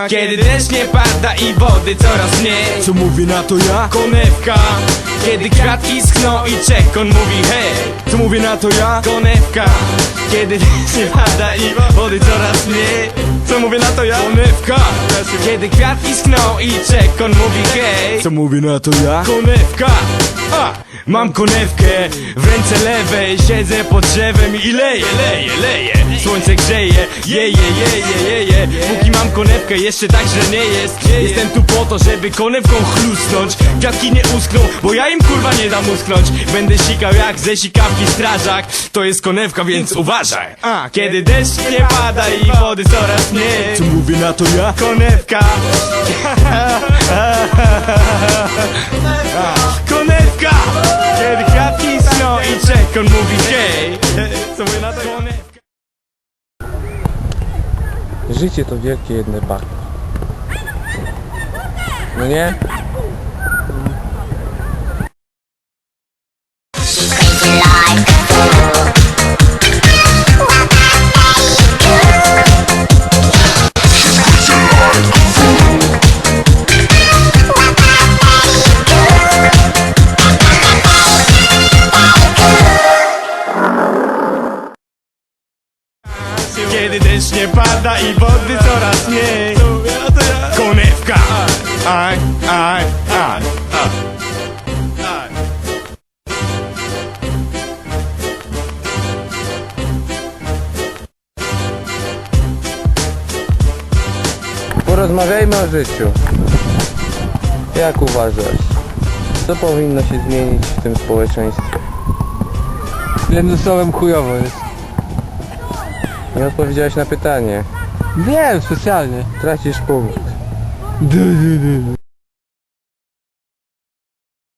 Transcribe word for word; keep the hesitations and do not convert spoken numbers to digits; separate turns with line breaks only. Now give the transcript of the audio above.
Kiedy deszcz nie pada i wody coraz mniej,
Co mówi na to ja?
konewka. Kiedy kwiatki schną i czekon mówi hej,
Co mówi na to ja?
konewka. Kiedy deszcz nie pada i wody coraz mniej,
Co mówi na to ja?
konewka. Kiedy kwiatki schną i czekon mówi hej,
Co mówi na to ja?
konewka. A, mam konewkę w ręce lewej, siedzę pod drzewem i leję, leję, leję. Słońce grzeje, jeje, jeje, jeje. Póki mam konewkę, jeszcze tak źle nie jest. Jestem tu po to, żeby konewką chlusnąć. Kwiatki nie uschną, bo ja im kurwa nie dam uschnąć. Będę sikał jak ze sikawki strażak. To jest konewka, więc uważaj. A, kiedy deszcz nie pada i wody coraz mniej,
Co mówi na to ja?
konewka. Konewka! Kiedy kwiatki schną i czekon mówi hej. Co mówię na to? Konewka.
Życie to wielkie jedne bagno. No nie?
Kiedy deszcz nie pada i wody coraz mniej, konewka. Aj, aj, aj, aj.
Porozmawiajmy o życiu. Jak uważasz? Co powinno się zmienić w tym społeczeństwie?
Jednym słowem chujowo jest.
Nie odpowiedziałeś na pytanie.
Wiem, specjalnie.
Tracisz punkt.
Du, du, du.